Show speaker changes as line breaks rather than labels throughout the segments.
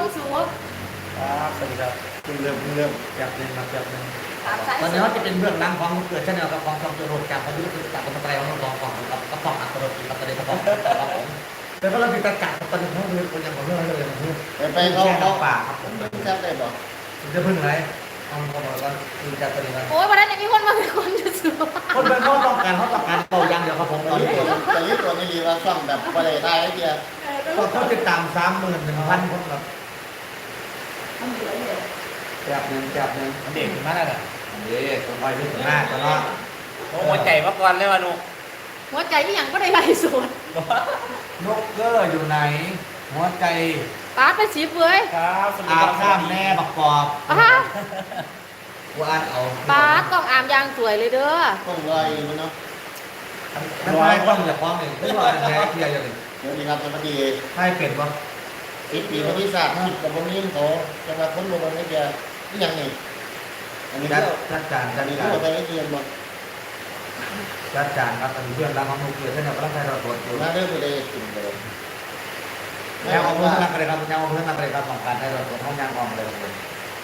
ความสูง
ครับสวัสดีครับเริ่มแบบนึงมาแบบนึงตอนนี้ว่าจะเป็นเรื่องราวของเกิดชาแนลกับของช่องตัวรถจากประยุทธ์จากคนไทยของน้องของกับกระป๋องอัตโนมัติกับตะเลกระป๋องครับผมแล้วก็เรามีการจัดตอนนี้เขาเรื่องคนยังของเรื่องเลยของเรื่อง
ไปเขา
ป่าครับผม
แซ่บได้บ่
จะพึ่งอะไรต้องบอกว่าคือจัดตอนนี้นะ
โอ้ยวันนั้นมีคนมาเป็นคนจะสูง
คนเป็นเขาต้องการเป่ายังเดียวครับผมตอนนี้
แต่ยึดตัวนี้รีว่าซ่อมแบบบริไทยไอ้เดีย
เขาติดตาม31,000 คนครับแบบนึง
เด็กมากเลย
นี่ตัวไปที่หน้าตลอด
หัวใจมาก่อนเลยว่ะนุก
หัวใจที่ยังก็ได้ไล่สวน
นกเกอร์อยู่ไหนหัวใจ
ป้าไปสีเปื่อย
ครับ
อาบน้ำแม่ประกอบว่าเอา
ป้าต้องอาบยางสวยเลยเด้อ
ต้องลอยมันเนาะ
ทำไมต้องอย่าฟ้องเลยไม่ว่าแม่เทียอย่างนี้
เดี๋ยวนี้ครับสวัสดี
ให้เปลี่ยนป่ะ
ปีประวัติศาสตร์คิดกับวันนี้เขาจะมาค้นลงมาไอ้เดียนี่ยังไงอันนี้
จัดการ
อันนี้เขาไปไอ้เดียหมด
จัดการครับอันนี้เพื่อนรักของนกเกอร์ท่านเรากำลังใช้เราตรวจอยู่
มาเรื่องไปเลยกินเลย
แล้วเอาเพื่อนนักอะไรครับยังเอาเพื่อนนักอะไรครับของการให้เราตรวจห้องยางออมเลยครับ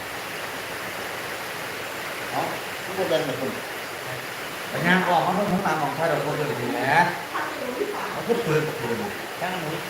อ๋อทุกคนเป็นแบบคุณ
แต่งานออกมาเพิ่มทั้งตามของไทยเราตรวจเลยดีแหละเขาพูดปืนกับปืน
ช่างมุ้ย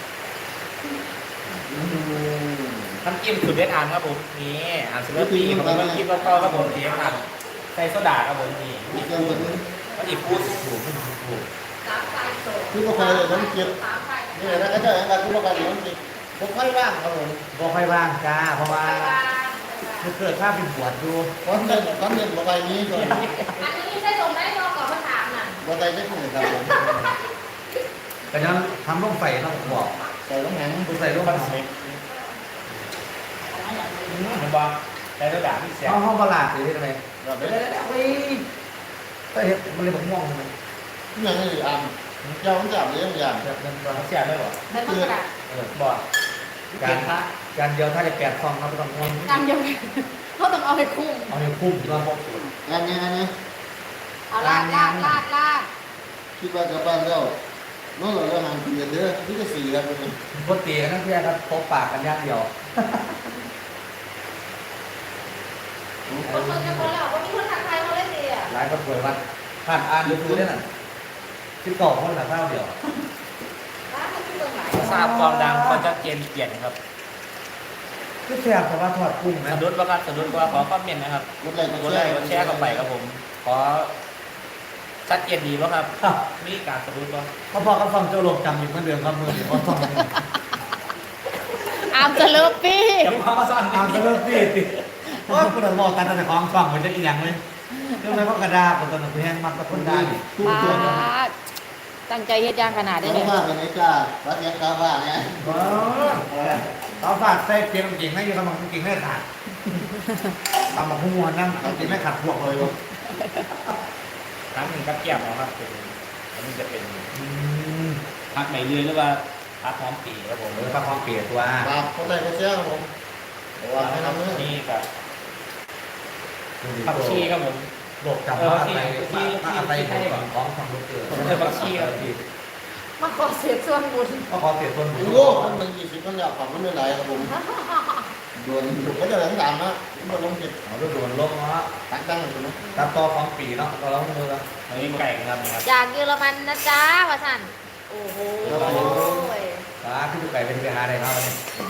ทำจิ้มสุดเด็ดอ่านครับผมนี่อ่านสุดเด็ดปีผมก็คิดว่าพ่อครับผมเสียงอ่านใส่โซดาครับผมนี่ก็อีกพูดถูก
คือก็ไปเลยน้องเจี๊ยบนี่แหละนะก็จะอย่างไรคือก็ไปน้องเจี๊ยบผมค่อยว่างครับผม
บอกค่อยว่างจ้าเพราะว่าเกิดภาพเป็นบวชดู
ก้อนเงินบอกไปนี้ก่อน
อันนี้ใช่ตรงไหนรอก่อนมาถามน่ะ
บอกไปได้คุณครับผม
แต่ยังทำร่มไฟต้องบอก
ใส่ต้องแหง
ใส่ร่มไฟ
มันบอกใส่โซดาที่เสีย
ห้องประหลาดหรือที่ทำไมเดี๋ยวก็เห็นมันเลยบอกม่วงทำไม
ยังไงอ่านเจ้าต้องจับเรื่องอย่าง
แบบนั้นก็
เสียได้หรอ
ได้กระดาษ
บอก
การเดียวถ้าได้8 ฟองครับต้องม่วง
การเดียวเขาต้องเอาไปคุ้ม
เอาไปคุ้มแล้วพวก
งานนี้
เอาลาด
คิดว่ากับบ้านเราน้องเราห่างกันเยอะที่จะสี่แล้วเป็น
ปกติกันนั่นเพื่อนครับตบปากกันย่างเดียว
คนจะคนแล้ววันนี้คนทางไทยเขาเล่นดีอ่ะ
หลายคนป่วยวันผ่านอ่านดูได้น่ะ12 คนหลังเท่าเดียว
ทราบความดังคนจะเกณฑ์เปลี่ยนครับ
ก็แซ่บแต่ว่าทอดกุ้งนะ
สะดุดว่าครับสะดุดว่าขอคอมเมนต์นะครับกดไลค์กดแชร์เข้าไปครับผมขอชัดเจนดีป่ะครับมีการสะดุดป่ะ
เขาพอเขาฟังเจ้าลมจำอยู่เหมือนเดิมครับมือเขาฟัง
อามจะเลิฟปี้
อามจะเลิฟปี้ติโอ้ยคุณบอกตัดแต่ของฟังมันจะอีกอย่างเลยเรื่องอะไรก็กระดาษคนตอนนั้นแห้งมันก็คนได้
ตั้งใจเฮ็ดย่างขนาดได้
เลยว่าเป็นไอ้จ้าวัดยักษ์กาว่าเนี่ย
เขาฝากใส่เกียร์จริงไม่อยู่กำลังจริงไม่ขาดตำบักหุ่งนั่งจริงไม่ขาดพวกเลย
ครั้งหนึ่งกับแก้มนะครับเป็นอันนี้จะเป็นพักไหนเรือนหรือว่าพักพร้อมปีครับผม
พักพร้อมปีตัว
ครับคนไหนก็เชื่อครับผมว่าให้ทำ
นี่กับผักชีครับผม
บอกจำว่าอะไรของทำลูกเกลือ
ผักชีครับ
มาขอเสียส่วนบุญ
มาขอเสียส่วนบุญ
โอ้มัน20 คนอยากของมันไม่ไหลครับผมด่วนก็จะหลังตามนะมันลงจิต
เอาด่วนลงเนาะ
ตั้งอยู่นะ
ตัดต่อของปีเนาะเราลงมือแล้ว
อันนี้ไก่ครับ
จากเยอรมันนะจ๊ะวะสันโอ้โห
ขึ้นไก่เป็นไปหาได้ครับ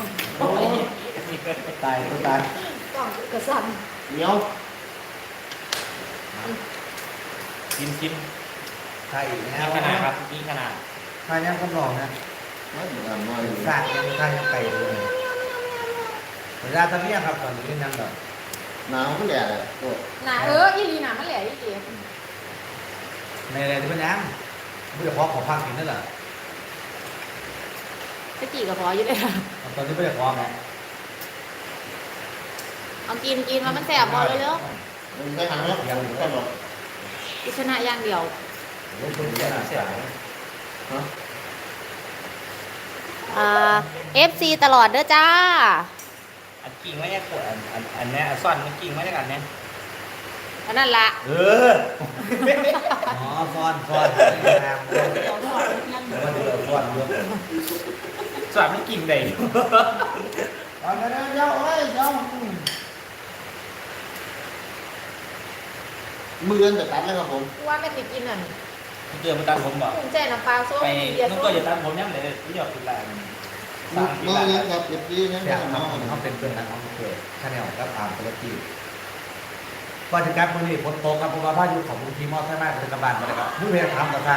ตาย
ต้องกระสัน
เหนียว
กิน
ใช่
นี่ขนาดครับนี่ขนาด
ทานยังก็ลองนะสากยังทานยังไก่เลยเวลาตอนนี้ครับตอนนี้ยังแบบ
หนาวก็แหล่เลย
หนาอีลีหนามันแหล่อีลี
ในอะไรที่มันยังไม่ได้พอของพังกินนั่นแหละ
จะกี่กับพออยู่เลยค่ะ
ตอนนี้ไม่ได้พอไหม
เอากินมันแสบพอเลยเนาะ
ได้ทางแล้วยังก็หรอก
กิชนะอย่างเดียวFC ตลอดเด้อจ้า
อันกิ่งไม่ได้ขวดอันนี้ซ่อนมันกิ่งไม่ได้กันเนี่ย
อันนั้นละ
อ๋อซ่อน
สวัสดีกิ่งใด
เอาเดี๋ยวเอ้ยเดี๋ยวมือจะตัดแล้วครับผม
ว่าไม่ติดกินอ่ะ
เจอมาตัดผมบอก
ภูมิใจน้ำปลาส้ม
ไป
เบียร์
นุ่ง
ส้
ก็
ม
จะตัดผมยังเลยที่หยอดติดแรง
มือนี้ครับเด็กดีนะ
แซ่บ
ค
ค
รั
รั
บบ
เขาเป็นเพื่อนกันของเกิดชาแนลกับอาร์มเทเลปีก่อนจะกลับมื้อนี้ฝนตกครับผมว่าพายุของมูลทีมอใช่ไหมเป็นกระบาลมาเลยครับผู้เรียนถามกับทาง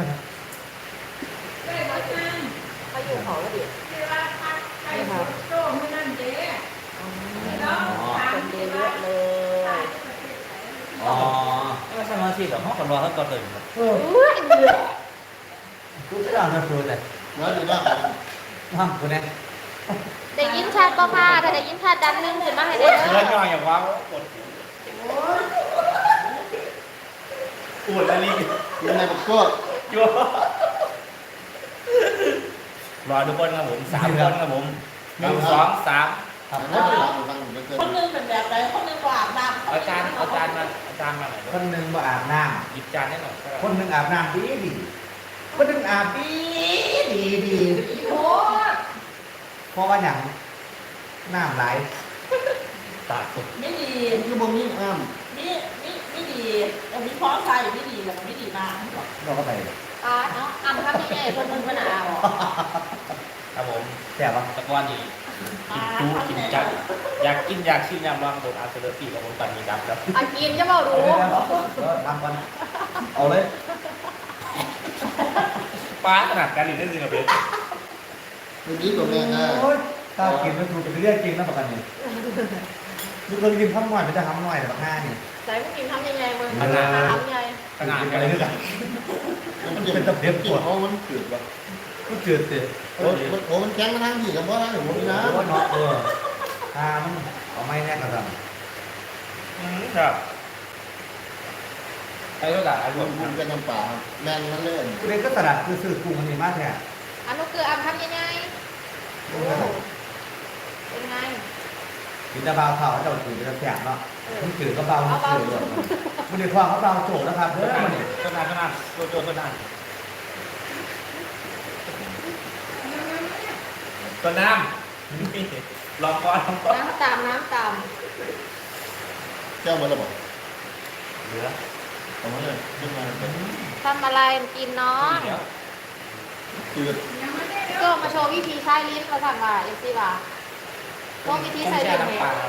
เขาอยู่เขาแล้วดินี่ค่ะคนเยอะเลย
อ๋อ
ไม่ใช่มาสิหรอกเขาคนรอเขาตอนเดินครับ
อุ้ยเดือด
กูจะเอามาดูเลย
แล้วดีมาก
ห้ามกูเนี่ย
ได้ยินชัดป่ะค่ะถ้าได้ยินชัดดันนึงขึ้นมาให้ได้
เลือดย่อยอย่างว่ากดปวดอะไรนี่
ยังไงผมก็
ยั่วรอทุกคนครับผม3 คนครับผม1 2 3
ครับ
แล้วฟังผมเกิน
คนหนึงเป็นแบบไหนคนหนึงว่าอาบน้ำ
อาจารย์มาหน่อย
คนหนึ่งมาอาบน้
หยิบจานให้หน่อย
ำคนหนึ่งอาบน้ำดีคนหนึ่งอาบดี
โอ้ย
เพราะว่าอย่างน้ำไหล
ตากสุด
ไม่ดี
คือบ่มีอ้าม
ไม่ดีแต่มีพร้อมใจไม่ดีแต่ไม่ดีมาก
เราก็ไป
เนาะอ่ำครับใหญ่ๆคนนึงขนาดอ่ะ
ครับผม
แซ่บปะ
ตะกอนนี่กินจูกินจัดอยากกินอยากชิมยำลองโดนอาร์เซอร์ฟี่กับผมปันนี้ครับ
อากินจะบอกรู้
ก็ทำกันเอาเลย
ป้าขนาดการเรียนได้จริงกับเบส
คือดีกว่าแม่นะ
โอ้ยตากินไม่ถูกเป็นเรื่องจริงนะประกันนี่ลูกเรากินข้าวหน่อยมันจะทำหน่อยแต่แบบห้านี่
ใส่ไม่กินทำยังไงมึงทำยังไง
ขนาดอะไรด้วยกัน
มันเป็นตะเพียบกินเขามันเกิดว่ะ
ก็จืดสิ
โอ้มันแข็งมาทางที่กับว่าทางหนูนี่นะ
เพราะว่าน็อตมันเอาไม่แน่กันสั่ง
ครับไอ้ก็ด่าไอ้พว
มั
ก
นเป็นน้ำป่าแมนมันเลย
กูเรียนก็สลัดคือซื้อกุ้งมันมีมากแท้
อันนู้นคืออ่ำทำยังไงเป็นไง
กินตะเบาเผาจะจืดจะแสบเนาะมันจืดก็เบามันจืดเลยมันเดี๋ยวความเขาเบาโจนะครับเด้อมันเนี่ย
ต้นนานโจต้นนานต้นน้ำลองก่อน
น้ำตามน้ำตาม
เจ้ามันระบบ
เหลือ
เอามาเลยขึ้นมาเลย
ทำอะไรกินน้อง
จืด
ก็มาโชว์วิธีใช้ลิ้นมาสั่งว่าเอฟซีว่าโชว์วิธีใช้ลิ้น
น้ำปลา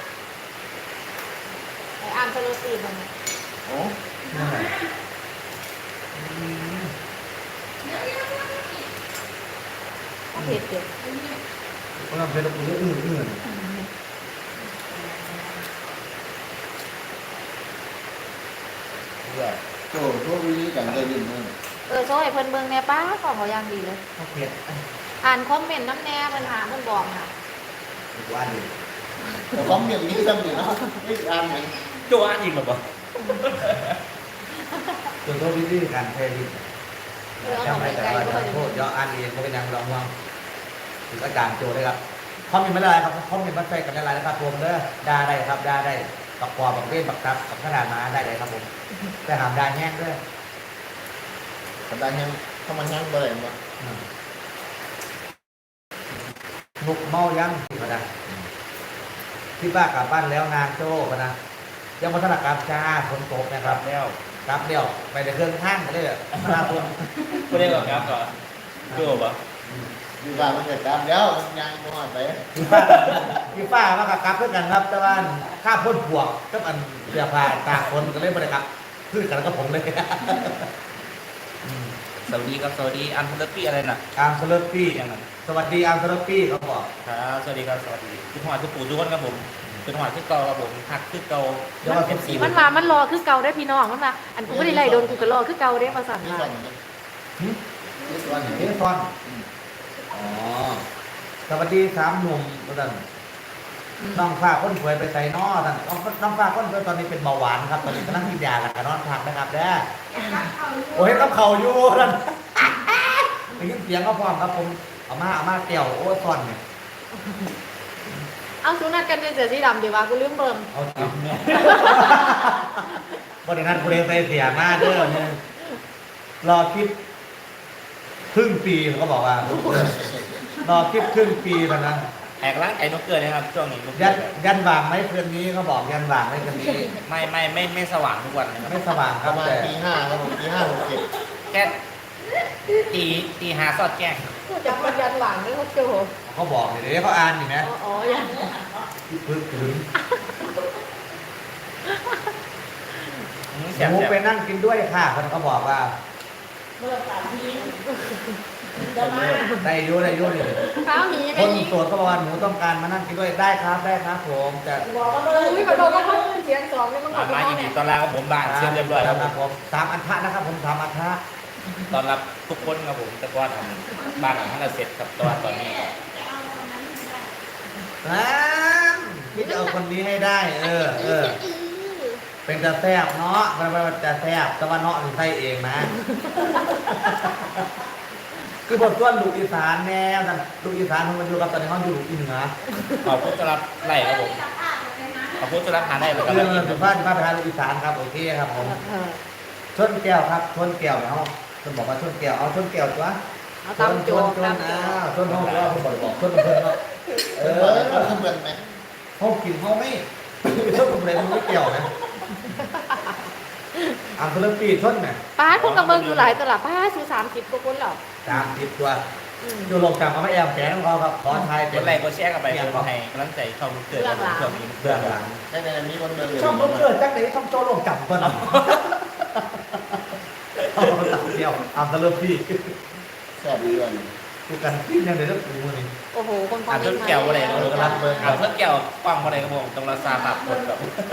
ไอ้อ่ำสโลตีมัน
โอ้
นั่นแหละ
ก็เผ็ดเด็ด
เพราะเราเป็นตัวอื่น
เหลือ
โหพวกวิธีการได้ยินนั่น
โชว์ให้เพิ่นเบิ่งแน่ป้าของเขาอย่างดีเลย
เขาเผ็ด
อ่านคอมเมนต์น้ำแน่ปัญหาเพิ่นบอกน่ะ
ว่าดี
แต่ของเมียนี้ซ้ำนี่นะไม่อ่านไหม
โจอันอีกหรอปะ
ส่วนตัววิธีการเทลิจำได้แต่ว่าจะโทษย่ออ่านเองก็เป็นนางรองว่างถึงอาจารย์โจได้ครับคอมเมนต์ไม่ได้ครับคอมเมนต์มาใส่กันได้นะครับรวมเด้อด่าได้ครับด่าได้ปักคอปักเว้นปักทับปักขนาดมาได้เลยครับผมแต่หามด่าแห้งด้วย
แต่ได้ยังถ้ามันยังบ่ได้บ่
นุกเมายังก็ได้ที่บ้านกลับบ้านแล้วนางโจ้ก็นะยังวัฒนกรรมจ้าฝนตกนะค
ค
รั
รั
บบ
แล้ว
รับเดียวไปในเครื่องท่านไปเลยมาลาบุญ
ไม่ได้หรอกครับก่อนโจปะ
อยู่บ้านมันเกิดการแล้วมันยังบ่ฮอดไป
พี่ป้ามากับกลับเพื่อกันครับแต่ว่าข้าพ่นปวกก็อันเสียผ้าตากฝนก็เลยไม่ได้ครับคือกันแล้วก็ผมเลย
สวัสดีครับสวัสดีอันทัลปี้อะไรน่ะ
อาร์มสเลปปี้
อย่างนั้น
สวัสดีอาร์มสเลปปี้เขาบอก
ครับสวัสดีครับสวัสดีคุณหวานคุณปู่ทุกคนครับผมคุณหวานคือเก่าครับผมหักคือเก่า
เดี๋ยวว่า
เป็นสี
มันมามันรอคือเก่าได้พี่น้องมันมาอันกูไม่ได้ไล่โดนกูก็รอคือเก่าได้มาสั่ง
นี่
มา
สั่นนี่สั่น
เฮ้ยฟอนอ๋อสวัสดีสามหนุ่มท่านน้องฟ้าค้นสวยไปใส่นอท่านน้องฟ้าค้นสวยตอนนี้เป็นเบาหวานครับตอนนี้กำลังกินยาแล้วก็นอนพักนะครับเด้อโอ้ยต้องเข่าอยู่ท่านได้ยินเสียงก็พร้อมครับผมเอามาเตี่ยวโอ้ซ่อนเนี่ย
เอาสุนัขกันเป็นเสือสีดำดีวะกูลืมเบิ่ม
เอาจริงบริษัทกูเรียนไปเสียมาเด้อเนี่ยรอคลิปครึ่งปีเขาบอกว่ารอคลิปครึ่งปีแล้วนะ
แอกล้างไก่นกเกลือนะครับช่วงนี้นกเกลื
ยันวางไหมคืนนี้เขาบอกยันวางไหมคืนนี้
ไม่สว่างทุกวันนะครับ
ไม่สว่างค
ป
รับ
ระมาณ
แต่
ตี 5ครับผมตี 5:60
แค่ตีหาซอดแจ้ง
พูดจากมันยันหลังนี่เขาโจ
เขาบอกเดี๋ยวเขาอ่านอยู่นะ
อ๋อยัน
พึ่งถึง
แซ่
หมู
บ
ไปนั่งกินด้วยค่ะคนเขาบอกว่า
เมื่อสามทีจะมา
ได้อยุ่ได้อยุ่นี่
ข้าวหนี
ค
ไม่
น
หนี
โสดเขาบอกว่าหนูต้องการมานั่งกินด้วยได้ครับผมจะ
บอกว่าเลย
อุ้ยกระโดดก็เขาเสียงสองนี่มัน
ๆ
ขอ
มา
ไป
ยินดี
เนี่ย
ตอนแรกผมบ้านเชื่อเรียบร้อยครับผม
ผมสามอันทะนะครับผมสามอันทะ
ตอนรับทุกคนครับผมแต่ก่อนทำบ้านหลังนั้นเสร็จกับตอนนี้
พี่จะเอาคนนี้ให้ได้ เป็นจะแซบเนาะมันจะแซบแต่ว่าเนาะถึงไส้เองนะ คือบทส่วนลูกอีสานแน่แต่ลูกอีสานเขามาอยู่กับตอนนี้เขาอยู่ลูกอีเหนือ
ขอบคุณสำหรับไล่ครับผมขอบคุณสำหรับหาได้แล้วก็
เรื่องสุภาพที่มาไปทานลูกอีสานครับโอเคครับผมชนแก้วครับชนแก้วเนี่ยเขาคนบอกว่าชนแก้วเอาชนแก้วตัว
เอาตามโจ
ชน
ตามโจ
ชนห้องว่าเขาบอกชนเพื่อนเนาะ
เออเขาเหมือนไหม
เขากินเขาไม่ชนอะไรมันไม่เกี่ยวนะอ่างทะเลปีชนเนี่ย
ป้าคุณกระเบื้องอยู่หลายตลาดป้าซื้อ30กว่าคนหรอ
30 ตัวอยู่ลงจากเขาไม่แอมแฝงของเขาครับขอทาย
ก
เป็น
ดไลค์กดแชร์กันไปคนให้กำลังใจช่องเกิดครับผมช่วงนี้
เบื้องหลัง
ได้ในนี้คนเดินเลย
ช่องเกิดจักไหนช่องโจลงจับตัวนั้นเอาตัดเดียวอ่างทะเลปี
แซ่บดีเลย
กูกันที่ยังเดี๋ยวจะปูนี่
โอ้โหคนคอ
อ่าม น
เม
ต้
น
น
ต์มา
แก้วอะไร
เย
ก็
อะ
รู้ครับอ่านต้นแก้วกว้างอะไรครับผมตรงราซาแบบคนแบบ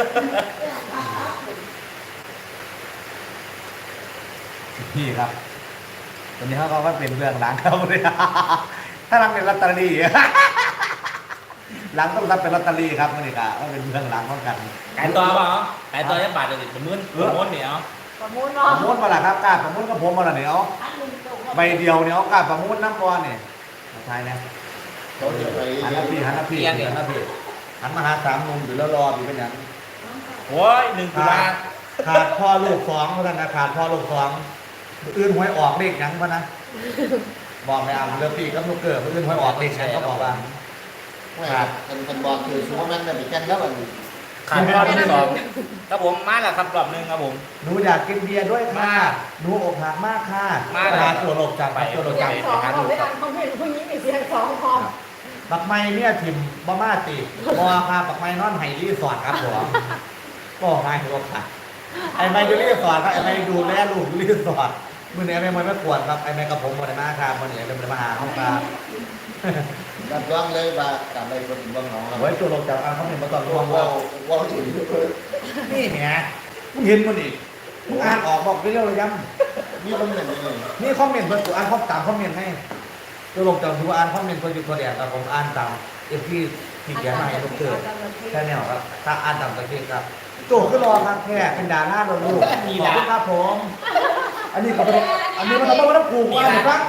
พี่ครับตอนนี้เขาก็ว่าเป็นเรื่องหลังเขาเลยถ้าหลังเป็นลอตเตอรี่หลังต้องรับเป็นลอตเตอรี่ครับนี่ครับว่าเป็นเรื่องหลังของกัน
ขายตัวเปล่าขายตัวจะบาทเดียวจะมื้นม้วนเหนียว
ประมูล
ป
เนาะ
ระมูลมาละครับกล้าประมูลกับผมมาละเนี่ยเอา
อันหนึ่งตรง
ใบเดียวเนี่ยเอากล้าประมูลน้ำบอลเนี่ยใช่นะ
เขาจะไป
หันหน้าพี่หันหน้าพี่หันหน้าพี่หันมาหา3 หนุ่มอยู่แล้วรออยู่เป็นอย่าง
โอ้ย1 ตุลา
ขาดพ่อลูก2เพราะฉะนั้นขาดพ่อลูก2อื่นหวยออกเลขหยังพะนะบอกในอ่างเรือปีกับลูกเกิดอื่นหวยออกเลขหยังก็บอกว่า
คนบอกคือชัวร์มันจะมีกันแล้วอันนี้
ขาดรอบที่2ครับผมมาแล้วครับรอบนึงครับผม
หนูอยากกินเบียร์ด้วยค่ะหนูอกหักมากค่ะ
มาเลย
ตัวโลกจับตัวโลก
เสีย
จับ
งสองเขาไม่อ่านคอมเมนต์ผู้หญิงมีเสียงสองพร้อม
ปักไม้เนี่ยถิ่มบ้ามาตีบอค่ะปักไม้นอนไฮรีสอร์ทครับผมก็ง่ายหัวขาดไอ้ไม้อยู่รีสอร์ทครับไอ้ไม้ดูแลลูกอยู่รีสอร์ทมือนี้ไอ้ไม้ไม่ควรครับไอ้ไม้กับผมมาในมาครับมือนี้ไอ้ไม้มาหาห้องครับ
รับรองเลยว่ากลับไปคนบ้องน้องเรา
ไว้ตัวโลกจับเขาเห็นมาตอนรวม
ว่า
ว่า
ว่าถึง
นี่ไงมึงเห็นมันอีกมึงอ่านออกบอกไปเรื่อยๆย้ำ
นี่มันเหมือนนี่
นี่คอมเมนต์เพื่อนกูอ่านข้อตามคอมเมนต์ให้ตัวลงจากถือว่าอ่านคอมเมนต์เพื่อนอยู่ตัวเดียวแต่ผมอ่านตามเอฟที่ที่เขียนมาให้ลูกเกิดแค่แนวครับถ้าอ่านตามตะเกียบครับโจก็รอครับแค่เป็นดาราเราลูกขอบคุณครับผมอันนี้ก็เป็นอันนี้มันต้องมาต้องผูกว่าหรือฟัง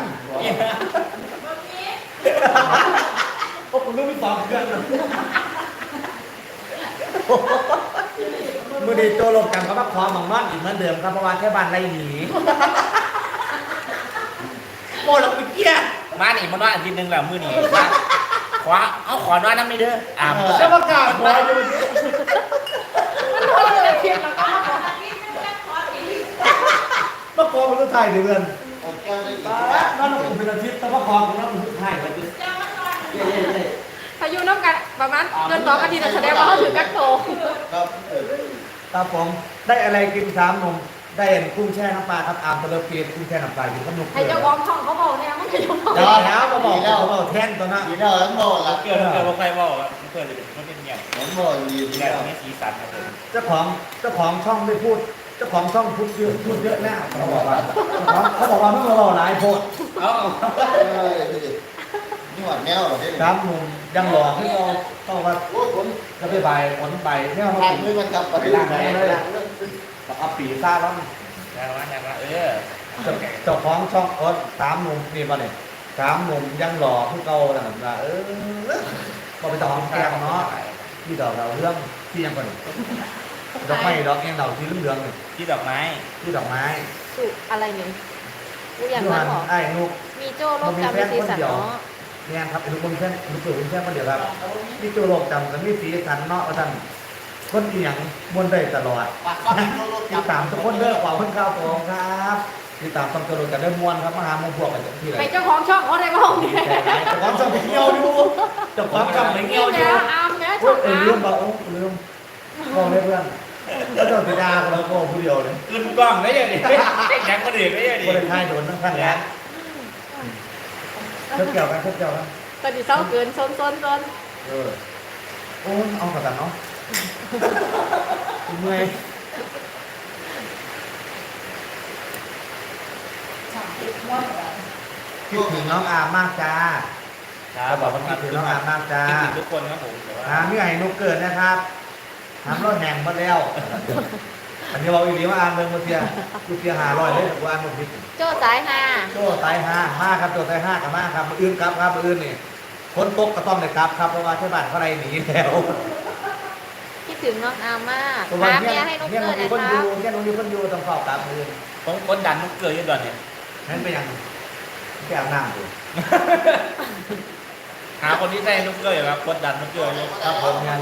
โอ้ผมรู้ไม่ฟังเพื่อนมือดีโจลงจากก็มาขอหมองนอนอีกเหมือนเดิมครับเพราะว่าแค่บ้านไรหนีโม่ลงไปเกี้ย
มาหนีมันว่าอาทิตย์นึงแล้วมื้อนี้ขวาเอาขอนอนน้ำไม่เด้ออ่า
แล้วประกาศบอยอยู่นี่
มันโดนเลยเพียงแล้วก็
มาขอเป็นไทยเดือน
โอเคเลย
นั่นเราเป็นอาทิตย์แต่ว่าขอเป็นเป็นไทยไปดิเย้
พายุน้ำกันประมาณเดือน2 อาทิตย์แสดงว่าเขาถือกักโต
ครับ
ครับผมได้อะไรกิน3 หนุ่มได้กุ้งแช่น้ำปลาครับอาร์มตะเลเปียกุ้งแช่น้ำปลาอยู่กับนุก
ให้เจ้าของช่องเขาบอกเนี่ยมันจะยุ่ง
เดี๋ยวแล้วมาบอกแล้วเขาแท่นตัวนั้น
ดีแล้วทั้งหมดละ
เกิดบ่ค่อยบอกครับเกิดมันเป็นอย่าง
ทั้งหมดดี
แล้
แล้ว ว
มีสีสันครับผม
เจ้าของช่องไม่พูดเจ้าของช่องพูดเยอะแน่เขาบอกว่าไม่มาบอกหลายโพด
เอา
นี่หวานแมวเหรอ
ครับหนุ่มยังหล่อขึ้นเราต้องว่า
โอ้ผม
จะไปใบผลใบเนี่ยเขา
ทาน
กิน
ด้วยมันกับไป
เอาปีซ่าแล้ว
แต่ว่า
เจ้าของช่อง3 หนุ่มนี่ป่ะเนี่ย3 หนุ่มยังหล่อขึ้นเก่าแล้วนะก็ไปต่อของแกงเนาะที่ดอกเราเรื่องที่ยังก่อนดอกไม้ดอกแกงดอกที่เหลืองๆเนี่ย
ที่ดอกไม้
ที่ดอกไม้
สุอะไรเนี่ยกูอยาก
ยู
มา
หัน
บอก
ไอ้นุก
มีโจ้โลกจำเป็นสีสันเนาะ
มเนี่ยครับทุกคนแค่ทุกคนแค่คนเดียวครับนี่ตัวโลกจำกันไม่สีสันเนาะท่านคนเอียงบนได้ตลอดติดตามทุกคนเด้อขอบคุณครับผมครับติดตามต้องตัวโลกกันได้มวนครับมหามงพวกกันที่ไหน
ไปเจ้าของช่องเขาได้บ้างเนี่ย
แต่ความชอบไปเที่ยวอยู่แต่ความชอบไปเที่ยวอยู่
เนี่ยอามเนี่ยช่อง
ลืม
อาม
บอกลืมบอกเลยเพื่อนก็ต้องไปด่ากันแล้วก็ผู้เดียวเลย
ขึ้นกล้องได้ยังดิแข่งคนอื่นได้ยังดิ
คนไทยโดนทั้งทั้งแล้วเกี่ยวกันเกี่ยวกัน
ตอนนี้เศร้าเกินซน
โอ้เอากระตันเนาะเมื่อยคิดถึงน้องอามมากจ้า
ครับบอกว่า
คิดถึงน้องอามมากจ้า
คิดถึงทุกคนครับผมแต่ว่า
นี่ไงนุกเกิดนะครับทำรถแห่งมาแล้วอันนี้เราอีกทีว่าอ่านเมืองมาเทียกูเทีย500เลยกูอ่านหมดผิด
โจ้สายฮา
โจ้ไต5มาครับโจ้ไต5กับมาครับมืออื่นครับมืออื่นนี่คนตกก็ต้องเลยครับเพราะว่าที่บ้านเขาไรหนีแล้ว
คิดถึงน้องอามมาก
เพราะว่า
หา
เนี่
เมี
ย
ยให้นุ๊ก
เนี่ย
เกิ
มัน
ด
มี
นะ
คน
ค
อ
รับ
ยู่เนี่ยมันมีคนอยู่ต้องเฝ้าตามมือ
ผมกดดันนุกเกลืออยู่ตอนนี้
นั่นเป็นยังแก้วน้ำอยู่
หาคนที่ได้นุกเกลืออยู่ครับกดดันนุกเกลืออยู่
ครับผมยัง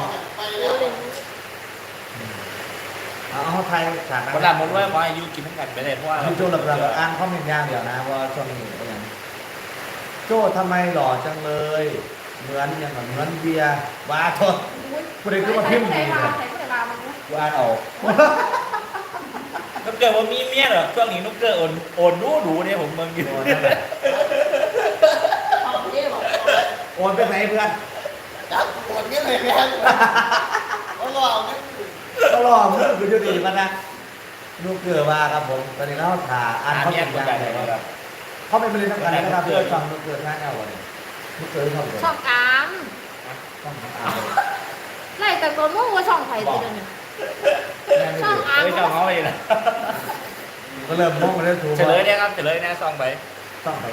เอาไทยฉาก
กดดันหมดว่าขอให้ยูกินทั้งกันไปเลยเพราะว่า
พี่โจ้หลับๆอ่านข้อมูลยางเดี๋ยวนะว่าช่วงนี้เป็นยังโจ้ทำไมหล่อจังเลย เหมือนยังเหมือนเบียร์ว้าทนผู้ใดก็มาพิมพ์ดีเลยกูอ่านออก
นุกเกลือว่ามีเมียเหรอช่วงนี้นุกเกลือโอนดูเนี่ยผมเมืองอยู่
โอนไปไหนเพื่อน
จับปวดนี่เลยแม่เขาหลอกนี่
ก็รอมึงคืออยู่ดีมันนะลูกเกลือมาครับผมตอนนี้เราถ่าอ่านข้อ
เมีย
มูล
กด
ยาง
ดัน
เล
เลย ย
ค
ค
รั
รั
บบ เขาไม่เป็นทางการนะครับเพื่อฟังลูกเกลือง่ายเอาเลยลูกเกลือช่องเดียว
ช่องอาม
ช่องของอ่านเลย
ไล่แต่ตัวมู่ว่าช่องไผ่ตัวนึงช่องอาม
เฮ้ยเจ้าเขาเลยนะ
ก็เริ่มมองมาเรื่อยถูก
เฉลยเนี่ยครับเฉลยเนี่ยซองไป
ต้องไป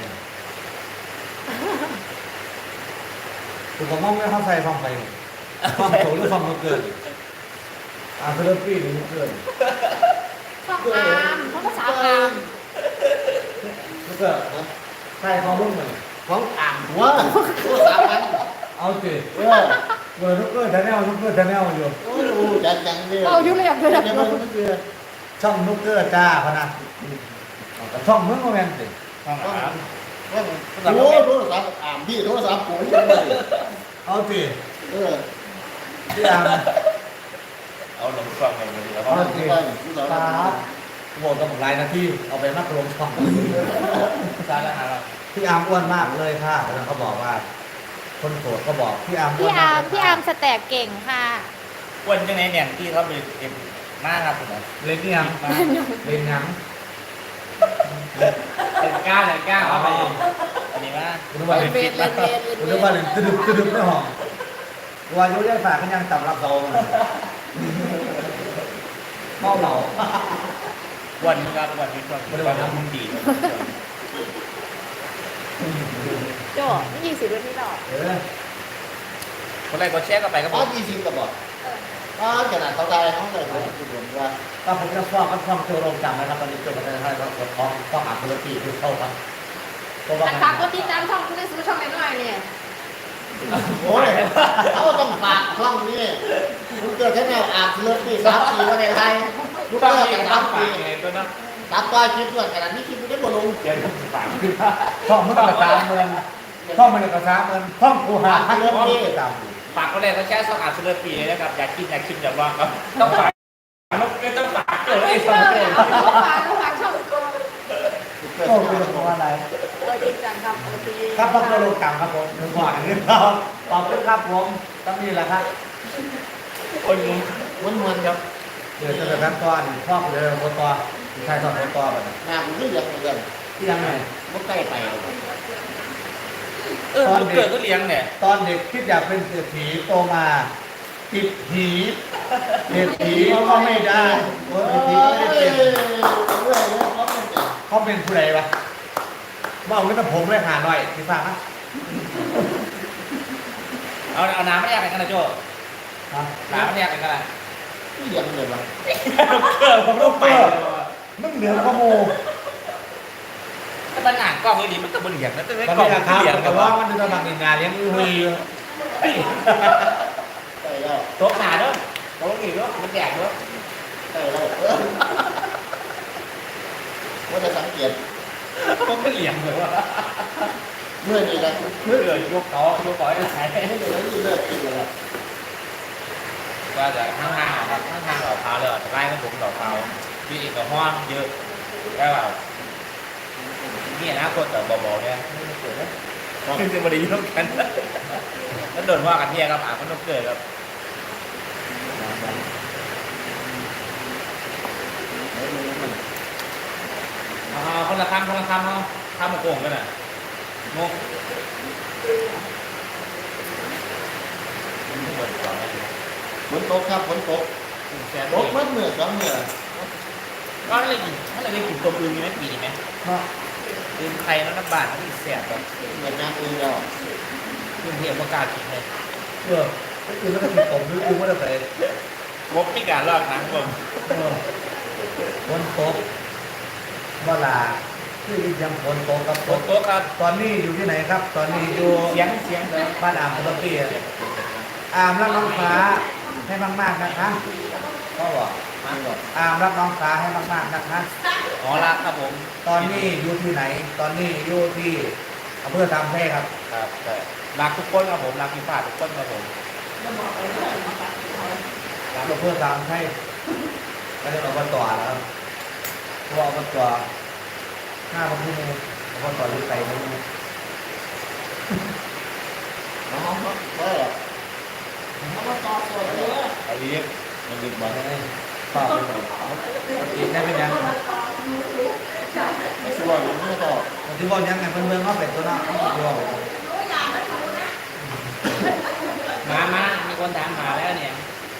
ถูกผมมองไม่เข้าใจฟังไปฟังโถหรือฟังลูกเกลือเริ่มปีหรือลูกเกลือ
ช่องอามเขาภาษาอาม
ลูกเกลือใช่ฟังรุ่งเหมือน
ของอ่างหัวตัวสามพัน
เอาสิ
เออ
เปิดลูกเกลือแนลลูกเกลือแนลอยู่
โอ้ยดูจังเลย
เอาอยู่เลยอย่างเดียว
จะมาไม่เจอ
ช่องลูกเกลือจ้าพนะช่องเมืองโมเมนต์สิ
ซองครับ
โอ้โทรศัพท์อ่างพี่โทรศัพท์ปุ๋ยเลย
เอาสิ
เออ
พี่อาม
เอาลงซองไปเลยแล้ว
เอาสิ
ไป
ครับโหวตต้องหลายนาทีเอาไปมัดรวมช่อง
ซาแล้วครับ
พี่อามอ้วนมากเลยค่ะแล้วเขาบอกว่า คนโสดก็บอกพี่อามอ้วน
พี่อามสแต็กเก่งค่ะ
วันจังไหนเนี่ยที่เขาไปเก็บมากครับผม
เล่นยังเล่นยัง
เป็นก้าเลยก้าเอาไปอันนี้ว่า
คุณว่าเล่นฟิตแล้วคุณว่าเล่นตึ๊ดในห้องวายุยายฝากกันยังต่ำรับเราเมาเหล่า
วันครับวันนี้วันน้ำมันดี
โจ้ไม่ยิงสิรุ่นนี้หรอก
คนแรกก็แชร์ก็ไปครับผ
ป้า
ม
20กระบอกป้าขนาดเขาได้เขาได้ผมจุดรวมว่า
ก็ผมจะฟ้องกันฟ้องโจโรงจำนะครับตอนนี้โจประเทศไทยก็กดฟ้องฟ้องอาธุรกิจคือเข้าครับเพราะว่า
อันฝากก็ติดตามช่องคุณได้ซื้อช่องไหนหน่อยเนี่ย
โอ้ยเขาต้องฝากช่องนี้ลูกเกิดแค่แนวอ่างเลือดปี3 ปีว่าในไทยลูก
ต้อง
เกิด
มี
กัน
ต้อง
3
ฝา
ปี
กยังไงตัวนั้น
ตัดป้ายคลิปด้วยขนาดนี้คลิปไม่ได้บ่ลง
เดี๋ยวต้องฝาก
ฟ้องเมื่อกระซ้าเมืองฟ้องมันกระซ้าเมืองฟ้องกูหาให้เรื่องนี้ตาม
ฝากคนแรกก็แชร์ซองอาร์ตเลอร์ปีเลยนะครับอยากกินอยากชิมอยากลองครับต้องฝากไม่ต้องฝากเลยไอ้ซองเลย
ฝากช่อง
โอ้คือของอะไร
จริงจังครับโอเค
ครับฟ้องโจโรงจำครับผมหนึ่งก่อนอันนี้เราขอบคุณครับผมต้องนี่แหละครับ
คนงง
มันครับ
เดี๋ยวจะเป็นขั้นตอนฟ้องเลยโมตอใช่ตอนโมตอแบบ
งานมันคืออย่างเดียว
ที่ยังไง
มันใกล้ไป
ลูกเกิดก็เลี้ยงเนี่ย
ตอนเด็กคิดอยากเป็นเศรษฐีโตมาติดผีเศรษฐีก็ไม่ได้เศรษฐีก็ไม่ได้เป็น เขาเป็นผู้ใดวะว่าเอาเงินผมเลยหาหน่อยพี่ฟังนะ
เอาน้ำไม่แยกกันนะโจ้
ฮะ
น้ำไม่แยกกันนะ
ที่เลี้ยงเลยวะ
ลูกเกิดผมต้องไป
มึงเหนือขโมย
ทมันหนักกล้องเลยดิมันก็บนเหลี่ยมนะแต่ไม่
ตอน
กล้อง
นี้
มัน
นะครับ
เหลี่ยม
แต่
กับ
ว่า
ว่า
มันจะทำงานเลี้ยงมือ
ใช่แล้ว
โต๊ะหนาด้วยโต๊ะกี่ด้วยมันแดกด้วย
ใช่แล้วว่าจะสังเกต
มันก็เหลี่ยมเลยว่า
เมื่อนี้นะ
เมื่อเกิดยกต่อยกต่อยอะไร
ไม่เหลือที่เลิกกินเลย
ก็จะข้างๆครับข้างๆดอกพร้าวเลยจะไล่ก็ผมดอกพร้าวมีอีกกับห้องเยอะแล้วแบบนี่นะคนแต่บอกเนี่ยขึ้นจะมาดีร่วมกันแล้วโดนว่ากันเที่ยครับอ่ะมันต้องเกิดครับคนละคำเขาทำมาโกงกันอ่ะงง
ฝนตกครับฝนตก
แสน
ตกเมื่อเมื่อสองเมื่อ
ก็เลยกินถ้าเราได้กินตัวอื่นมีไหมปีนี้ไหม
เนาะ
อื่นไทยแล้วน้ำบาดมันแสบแบบ
เหมือนน้ำอื่นแล้ว
อื่นเทียมประกาศกินเลย
ก็คือแล้วก็ติดผมนึกว่าจะใส่
งบไม่การลอกนะผม
ฝนตกเวลาที่ยังฝนตกกับ
โต๊ะโต๊ะครับ
ตอนนี้อยู่ที่ไหนครับ ตอนนี้อยู่
เสียงเลย
บ้านอ่างปกติอามรับน้องฟ้าให้มากๆนะคะ
ก็บอกมาบอก
อามรับน้องฟ้าให้มากๆนะคะ
อ๋อละครับผม
ตอนนี้อยู่ที่ไหน ตอนนี้อยู่ที่อำเภอตามแพร่ครับ
ครับใช่รักทุกคนครับผมรักพี่ฝ้าทุกคนครับผม
จะบอกไปเรื่อยนะคะ
อำเภอตามแพร่ก็จะอบตแล้วครับเพราะอบต5 พมอบตอยู่ไกลไม่รู้
น้องก็หรอ
เอามาต่อส่วนเยอะ
เอาดีมันดึกบอก
ได้ฝากเป็นอีกได้เป็นยัง
ไม่ชัวร์หรือไม่ต่อ
วันที่บอกยังไงเพื่อนๆเขาเป็นตัวน้องเขาตัว
มามีคนถามหาแล้วเนี่ย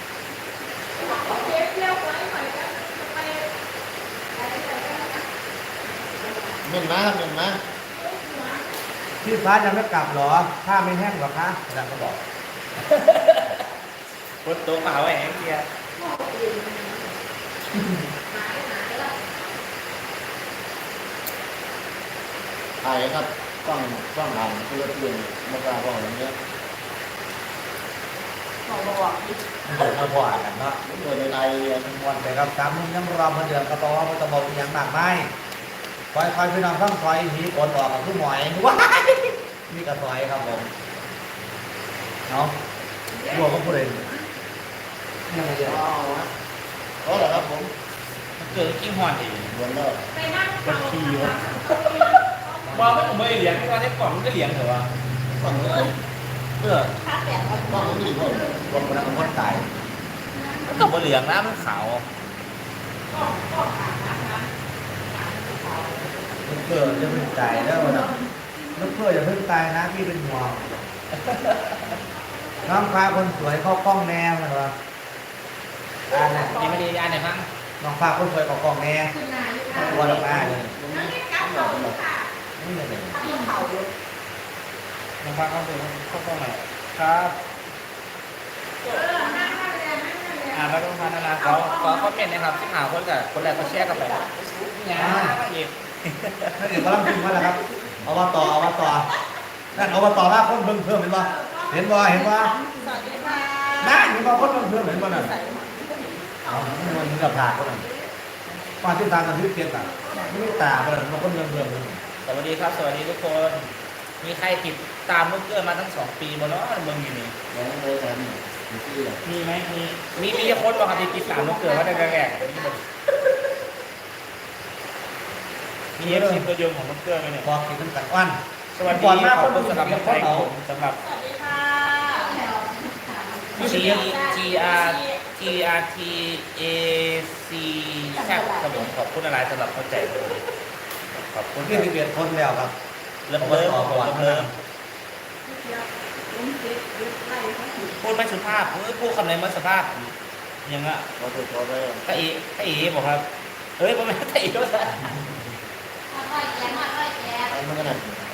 เงินมาครับเงินมา
พี่ฟ้ายังไม่กลับหรอผ้าไม่แห้งหรอคะอาจารย์ก็บอก
คนโต๊ะเปล่าไว้แห้งเกียร์
ถ่ายครับกล้องอ่านเพื่อเพื่อนมากราบอกอย่างเงี้ย
บอกอีก
เดี๋ยวมาบ่อยกันเนาะ
เปิดในไทย
ทั้งวันไปครับ3 นุ่มยังรอมาเดือนกระบอกว่ามันจะบอกอย่างมากไม่คอยพี่น้องข้างคอยหีกดออกกับผู้หมอยว้ายนี่กระซอยครับผมเนาะบัวก็พูดเองนี่ไงเดียว
ก็เหรอครับผม
มันเกิดกิ้งหอนอีก
เหมือนเดิม
เป็นขี้วะว่าไม่ผมไม่เลี้ยงที่ว่าได้กล่องมันก็เลี้ยงเหรอวะ
ฝั่งนู้น
เพื่อ
ค่าแปด
ฝั่งนู้นอีกคน
รวมกันเป็นคนตาย
มันก็บ่เหลืองนะมันขาว
ลูกเพื่อจะเพิ่งตายแล้วนะลูกเพื่ออย่าเพิ่งตายนะพี่เป็นห่วงน้องฟ้าคนสวยเข้ากล้องแนวนะวะอ่านนะ
ยังไม่ได้อ่านไหนบ้าง
น้องฟ้าคนสวยเข้ากล้องแนวตัวละมาเลยนี่เลย
น้องฟ้าเข้าไปเข้ากล้องหน่อยครับแล้วก็พัฒนาเขาคอมเมนต์นะครับที่หาคนกับคนแรกก็แชร์กันไปเนี่ยอีก
นั่นเดี๋ยวกำลังพิมพ์มาแล้วครับเอาว่าต่อนั่นเอาว่าต่อลากคนเพิ่มเห็นป่ะเห็นป่ะ
สวัสดีค่ะ
นั่นเห็นป่ะคนเพิ่มเห็นป่ะนั่นเอามันกับผากก็นั่นมาที่ตากันที่เตียงต่างไม่ตาก็นั่นมันคนเพิ่ม
สวัสดีครับสวัสดีทุกคนมีใครติดตามลูกเกื้อมาตั้ง2 ปีมาแล้วมึงอยู่นี่
แล้วเลยทำอยู่ที่ไหน
มีไหมมีคนบอกครับที่ติดตามลูกเกื้อว่าได้แรกมีเอฟซีตัวยงของลูกเกื้อไหมเนี่ย
พอกินน้ำกันอ้วน
สวัสดี
ก่อนหน้า
ข
ค
อบ
น
คุณ
สำ
สำ
ห
ห
รั
รั
บบ คน
ไทย
เขา
ผมสำหรับ
สวัสดีค่ะ
GRTAC แซ่บครับผมขอบคุณอะไรสำหรับเข้าใจขอบคุณ
ที่11 คนแล้วครับ
เริ่มพูดไม่สุภาพพูดคำไหนไม่สุภาพยังอ่ะ
เราถูกตัวไป
ตาอีบอกครับเฮ้ยผมไม่ตาอีก็ได้
ไปเมื่อไหร่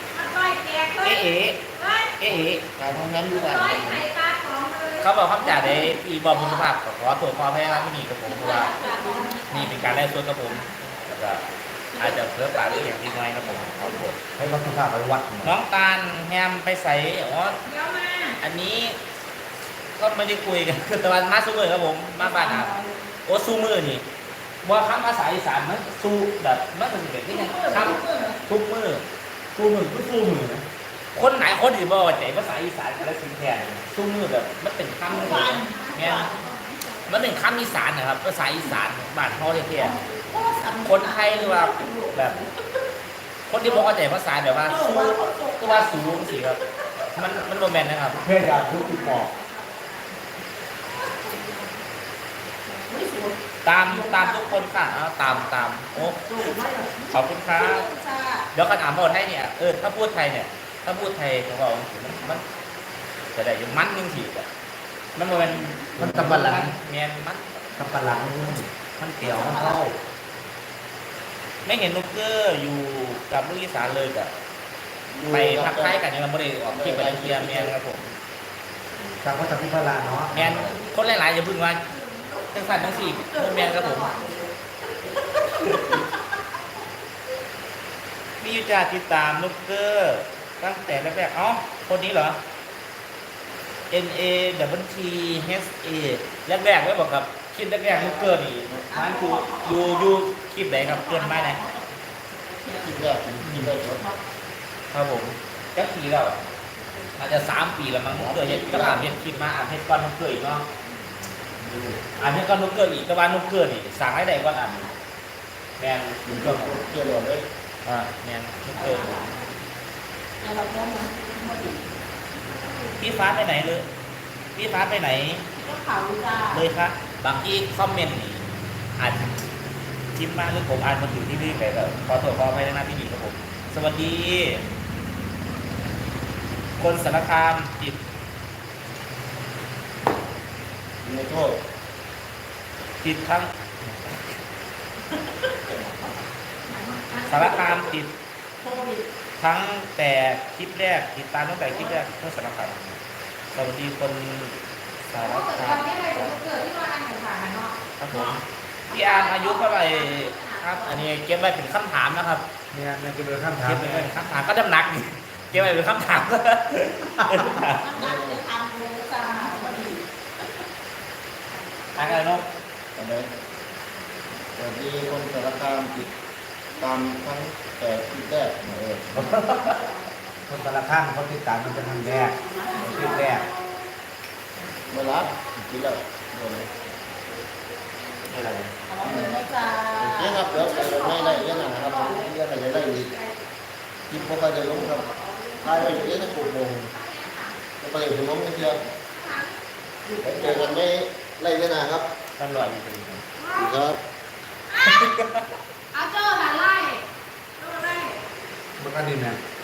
เอ๋
การทำงานอยู่บ้าน
เขาบอกคำจ่าได้อีบอกมุสภาพขอตัวความแพ้ร้านไม่มีกับผมเพราะว่านี่เป็นการแลกส่วนกับผมแล้วก็อาจจะเพิ่มปากหรืออย่างนิดหน่อยนะผมขอโทษ
ให้วัดสุภาพไปวัด
น้องตาลแฮมไปใส่อ๋ออันนี้ก็ไม่ได้คุยกันคือตะวันมาซูมือครับผมมาบ้านอ่ะโอ้ซูมือนี่ว่าคำภาษาอีสานมันซูแบบมันเป็นแบบนี้ไงคำทุกมือซูมือก็ซูมือนะคนไหนคนที่บอกว่าใจภาษาอีสานกันแล้วสิงแทนซูมือแบบมันเป็นคำเนี่ยมันเป็นคำอีสานนะครับภาษาอีสานบ้านเขาเรียกคนไทยหรือว่าแบบคนที่บอกว่าใจภาษาแบบว่าซูก็ว่าสูงสิครับมันโมเมนต์นะครับ
เพื่อจะทุกติดต่อ
ตามทุกคนค่ะเอาตามโอ้ขอบคุณครับเดี๋ยวกันอ่านบทให้เนี่ยถ้าพูดไทยเนี่ยถ้าพูดไทยของเรามันจะได้อยู่มันนึงทีอ่ะมันเป็น
มันกำบัลลัง
เมียนมัน
กำบัลลังมันเกี่ยวมันเข้า
ไม่เห็นนุกเกอร์อยู่กับลูกอีสานเลยกับไปพักท้ายกันยังไม่ได้ออกคลิปไปเคลียร์เมียนครับผม
ทางวัดสัมพิพลาเนาะ
เมียนคนหลายๆอย่าพึ่งว่าทั้งสั้นทั้งสี่เมียนครับผมมีอยู่จ่าติดตามนุกเกอร์ตั้งแต่แรกๆคนนี้เหรอ NAWT HA แรกๆไม่บอกกับคลิปแรกๆนุกเกอร์นี่มันคืออยู่คลิปไหนครับเกินไหมไหน
คิดแรกคิดแรกครับ
ครับผมจักปีแล้วอาจจะ3 ปีแล้วมั้งนุกเกอร์เห็นก็อ่านเห็นคลิปมาอ่านเห็นก้อนนุกเกอร์อีกเนาะอ่านเห็นก้อนนุกเกอร์อีกแต่ว่านุกเกอร์นี่สั่งให้ได้ก้อนอ่านแมน
อยู่กับเกี่ยวกับเลย
แมนนุกเกอร์พี่ฟ้าไปไหนเลยพี่ฟ้าไปไหน
ก็ข่าวจ้า
เลยครับบางที่คอมเมนต์นี่อ่านพิมพ์มาหรือผมอ่านมาถึงที่นี่ไปแล้วขอโทษขออภัยนะพี่หญิงครับผมสวัสดี คนสารคามติด
ในโทษ
ทั้งสารคามติด
โควิด
ทั้งแต่คลิปแรกติดตามตั้งแต่คลิปแรกเพื่อสารคามสวัสดีคนสาร
เพราะเกิด
คา
วั
ม
นนี้อะไรเกิดที่มาอันแข่งขันเนาะ
ครับผมพี่อาร์มอายุเท่าไหร่ครับ อันนี้เก็บไว้เป็นคำถามนะครับ
เนี่ยมันจะเป็นคำถาม
เก็บไว้เป็นคำถามก็น้ำหนักนี่เก็บไว้เป็นคำถาม
มันนักจะทำเลยจ้าพอดี
อะไรเนาะ
อะไรสวัสดีคนสารคามติดตามทั้งแต่คิดแรก
คนแต่ละข้างเขาติดตามมันเป็นทางแรกคลิปแรก
เวลาคิดแล้ว
อะไร
เอาเลยนะจ้า
โอเคครับเดี๋ยวไปไม่ได้ยังนะครับยังไม่ได้อีกคิดพวกเขาจะลงครับไล่ไปเยอะนะกลุ่มวงจะไปถึงล้มกันเชียวไปเจอกันไม่ไล่ยังนะครับ
ตำรวจอยู่ตรงนี้
ครับ
เอาเจอหันไล่
มันก็ดีนะ